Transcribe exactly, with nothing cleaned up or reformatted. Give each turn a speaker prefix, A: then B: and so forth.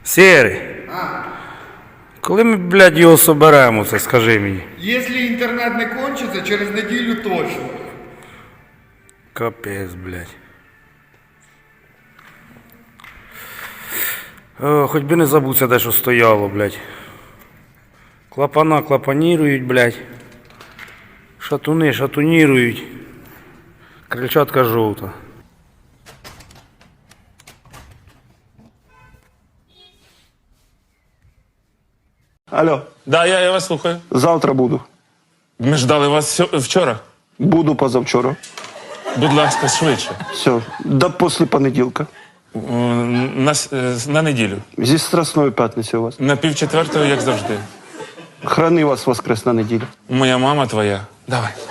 A: Сірий,
B: А,
A: коли ми, блядь, його соберемо, це скажи мені.
B: якщо інтернет не кончиться, через неділю точно.
A: Капець, блядь. О, хоч би не забувся, де що стояло, блядь. Клапана клапанірують, блядь. Шатуни шатунірують. Крильчатка жовта.
C: Алло,
D: Да, я, я вас слухаю.
C: завтра буду.
D: Ми ждали вас сьо- вчора.
C: Буду позавчора.
D: Будь ласка, швидше.
C: Все, до після понеділка.
D: О, На, с- е, на неділю.
C: Зі Страсної п'ятниці у вас.
D: На півчетвертого, як завжди.
C: Храни вас воскресна неділя.
D: Моя мама твоя. Давай.